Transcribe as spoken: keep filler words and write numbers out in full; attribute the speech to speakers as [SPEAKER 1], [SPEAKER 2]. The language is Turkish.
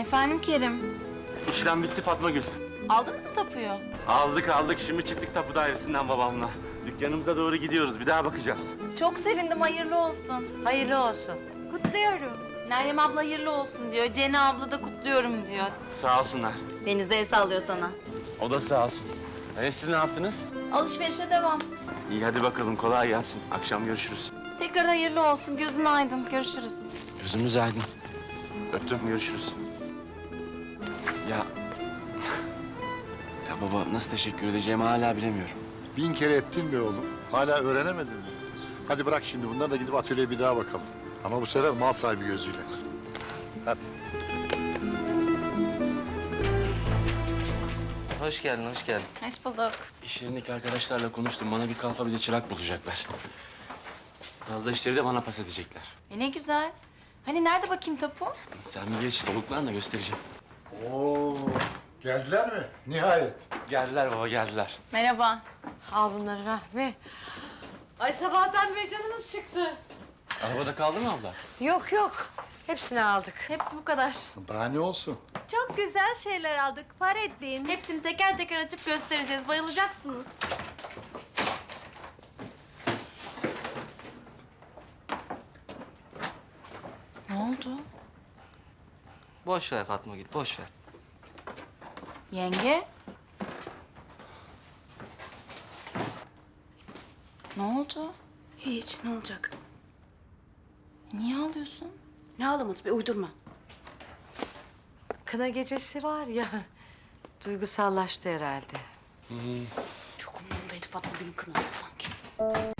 [SPEAKER 1] Efendim Kerim.
[SPEAKER 2] İşlem bitti Fatma Gül.
[SPEAKER 1] Aldınız mı tapuyu?
[SPEAKER 2] Aldık aldık. Şimdi çıktık tapu dairesinden babamla. Dükkanımıza doğru gidiyoruz. Bir daha bakacağız.
[SPEAKER 1] Çok sevindim, hayırlı olsun.
[SPEAKER 3] Hayırlı olsun.
[SPEAKER 1] Kutluyorum. Meryem abla hayırlı olsun diyor. Cene abla da kutluyorum diyor.
[SPEAKER 2] Sağ olsunlar.
[SPEAKER 1] Deniz de el sallıyor sana.
[SPEAKER 2] O da sağ olsun. E siz ne yaptınız?
[SPEAKER 1] Alışverişe devam.
[SPEAKER 2] İyi hadi bakalım. Kolay gelsin. Akşam görüşürüz.
[SPEAKER 1] Tekrar hayırlı olsun. Gözün aydın. Görüşürüz.
[SPEAKER 2] Gözümüz aydın. Öptüm. Görüşürüz. Ya... ya baba nasıl teşekkür edeceğimi hala bilemiyorum.
[SPEAKER 4] Bin kere ettin be oğlum. Hala öğrenemedin mi? Hadi bırak şimdi bunları da gidip atölyeye bir daha bakalım. Ama bu sefer mal sahibi gözüyle. Hadi.
[SPEAKER 5] Hoş geldin, hoş geldin.
[SPEAKER 1] Hoş bulduk.
[SPEAKER 2] İş yerindeki arkadaşlarla konuştum. Bana bir kalfa bir de çırak bulacaklar. Fazla işleri de bana pas edecekler.
[SPEAKER 1] E ne güzel. Hani nerede bakayım tapu?
[SPEAKER 2] Sen bir geç soluklan da göstereceğim.
[SPEAKER 4] Oo, geldiler mi? Nihayet.
[SPEAKER 2] Geldiler baba geldiler.
[SPEAKER 1] Merhaba.
[SPEAKER 3] Al bunları Rahmi. Ay sabahtan beri canımız çıktı.
[SPEAKER 2] Arabada kaldı mı abla?
[SPEAKER 3] Yok yok. Hepsini aldık.
[SPEAKER 1] Hepsi bu kadar.
[SPEAKER 4] Daha ne olsun?
[SPEAKER 6] Çok güzel şeyler aldık. Para ettiğin.
[SPEAKER 1] Hepsini teker teker açıp göstereceğiz. Bayılacaksınız. Ne oldu?
[SPEAKER 5] Boş ver Fatma Gül, boş ver.
[SPEAKER 1] Yenge? Ne oldu?
[SPEAKER 7] Hiç, ne olacak?
[SPEAKER 1] Niye ağlıyorsun?
[SPEAKER 7] Ne ağlaması be, uydurma.
[SPEAKER 3] Kına gecesi var ya. Duygusallaştı herhalde.
[SPEAKER 7] Çok umurumdaydı Fatma Gül'ün kınası sanki.